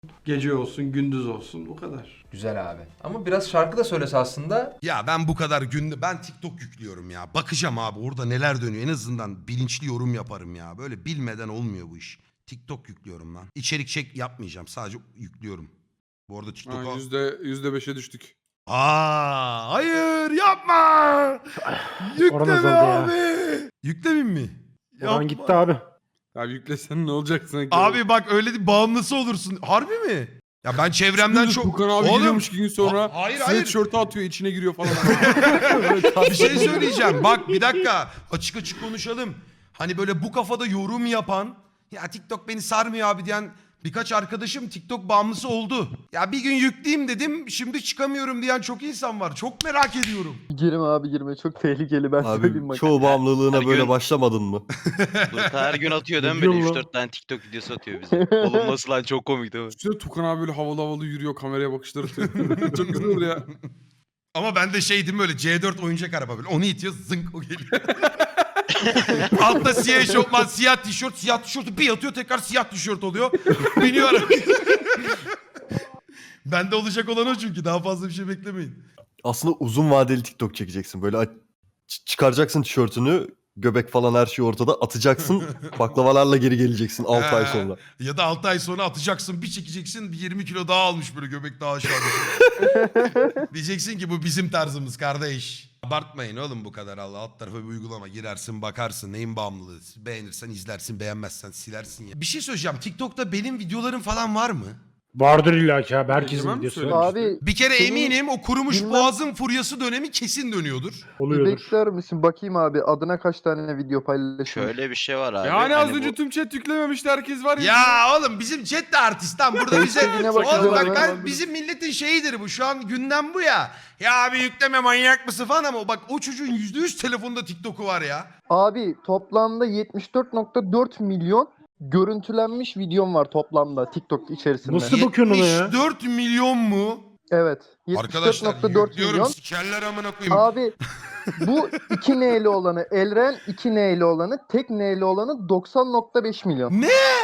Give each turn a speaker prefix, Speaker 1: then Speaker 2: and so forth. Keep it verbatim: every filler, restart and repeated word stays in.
Speaker 1: Gece olsun, gündüz olsun, bu kadar.
Speaker 2: Güzel abi. Ama biraz şarkı da söylese aslında.
Speaker 3: Ya ben bu kadar günde ben TikTok yüklüyorum ya. Bakacağım abi orada neler dönüyor. En azından bilinçli yorum yaparım ya. Böyle bilmeden olmuyor bu iş. TikTok yüklüyorum lan. İçerik çek yapmayacağım. Sadece yüklüyorum. Bu arada TikTok'a...
Speaker 4: Ha, yüzde, yüzde beşe düştük.
Speaker 3: Aa, hayır yapma. Yükleme
Speaker 5: Oran azaldı ya.
Speaker 3: abi. Yüklemeyeyim mi?
Speaker 5: Oran
Speaker 3: Yapma.
Speaker 5: gitti abi.
Speaker 4: Ya yüklesen ne olacak sanki?
Speaker 3: Abi bak öyle bir bağımlısı olursun. Harbi mi? Ya ben çevremden çok...
Speaker 4: Tukan abi
Speaker 3: Oğlum,
Speaker 4: geliyormuş iki gün sonra.
Speaker 3: Ha- hayır, hayır.
Speaker 4: Sweatshirt'ü atıyor içine giriyor falan.
Speaker 3: Bir şey söyleyeceğim. Bak bir dakika. Açık açık konuşalım. Hani böyle bu kafada yorum yapan... Ya TikTok beni sarmıyor abi diyen birkaç arkadaşım TikTok bağımlısı oldu. Ya bir gün yükleyeyim dedim. Şimdi çıkamıyorum diyen çok insan var. Çok merak ediyorum.
Speaker 6: Girme abi girme çok tehlikeli ben söyleyeyim
Speaker 7: Abi
Speaker 6: bak.
Speaker 7: çoğu bağımlılığına
Speaker 8: Her
Speaker 7: böyle
Speaker 8: gün-
Speaker 7: başlamadın mı?
Speaker 8: Burka her gün atıyor değil mi
Speaker 5: Biliyor
Speaker 8: böyle
Speaker 5: musun?
Speaker 8: üç dört tane TikTok videosu atıyor bize. Oğlum nasıl lan çok komik değil mi?
Speaker 4: Üstüne Tukan abi böyle havalı havalı yürüyor kameraya bakışları atıyor. Çok güzel olur ya.
Speaker 3: Ama ben de şey değil mi böyle C dört oyuncak araba böyle. Onu itiyor zınk o geliyor. Altta siyah eşofman, siyah tişört, siyah tişörtü bir atıyor tekrar siyah tişört oluyor. Biniyor arabaya. Bende olacak olan o çünkü daha fazla bir şey beklemeyin.
Speaker 7: Aslında uzun vadeli TikTok çekeceksin. Böyle aç- ç- çıkaracaksın tişörtünü, göbek falan her şey ortada atacaksın. Baklavalarla geri geleceksin altı ay
Speaker 3: He.
Speaker 7: sonra.
Speaker 3: Ya da altı ay sonra atacaksın bir çekeceksin bir yirmi kilo daha almış böyle göbek daha aşağıda. Diyeceksin ki bu bizim tarzımız kardeş. Abartmayın oğlum bu kadar Allah. Alt tarafa bir uygulama girersin bakarsın neyin bağımlılığı. Beğenirsen izlersin beğenmezsen silersin ya. Bir şey söyleyeceğim TikTok'ta benim videolarım falan var mı?
Speaker 5: Vardır illa ki abi. Herkesin
Speaker 4: Egemen mi
Speaker 5: videosu
Speaker 4: söylemiş?
Speaker 6: Abi
Speaker 3: Bir kere
Speaker 6: Senin
Speaker 3: eminim o kurumuş
Speaker 6: bilmem-
Speaker 3: boğazın furyası dönemi kesin dönüyordur.
Speaker 6: bir
Speaker 5: oluyordur.
Speaker 6: bekler misin bakayım abi adına kaç tane video paylaşmış.
Speaker 8: Şöyle bir şey var abi.
Speaker 4: Yani az
Speaker 8: hani
Speaker 4: önce
Speaker 8: bu-
Speaker 4: tüm chat yüklememişti herkes var ya.
Speaker 3: Ya oğlum bizim chat de artist lan burada bize...
Speaker 6: Sevgine bak,
Speaker 3: Oğlum bak
Speaker 6: güzel
Speaker 3: ben,
Speaker 6: abi.
Speaker 3: bizim milletin şeyidir bu şu an gündem bu ya. Ya abi yükleme manyak mısın falan ama bak o çocuğun yüzde yüz telefonda TikTok'u var ya.
Speaker 6: Abi toplamda yetmiş dört nokta dört milyon görüntülenmiş videom var toplamda TikTok içerisinde.
Speaker 5: Nasıl bakıyorsun ona ya?
Speaker 3: yetmiş dört milyon mu?
Speaker 6: Evet. yetmiş dört
Speaker 3: Arkadaşlar
Speaker 6: nokta dört
Speaker 3: yüklüyorum
Speaker 6: milyon.
Speaker 3: sikerler amına koyayım.
Speaker 6: Abi bu iki N'li olanı Elren, iki N'li olanı, tek N'li olanı doksan nokta beş milyon.
Speaker 3: Ne?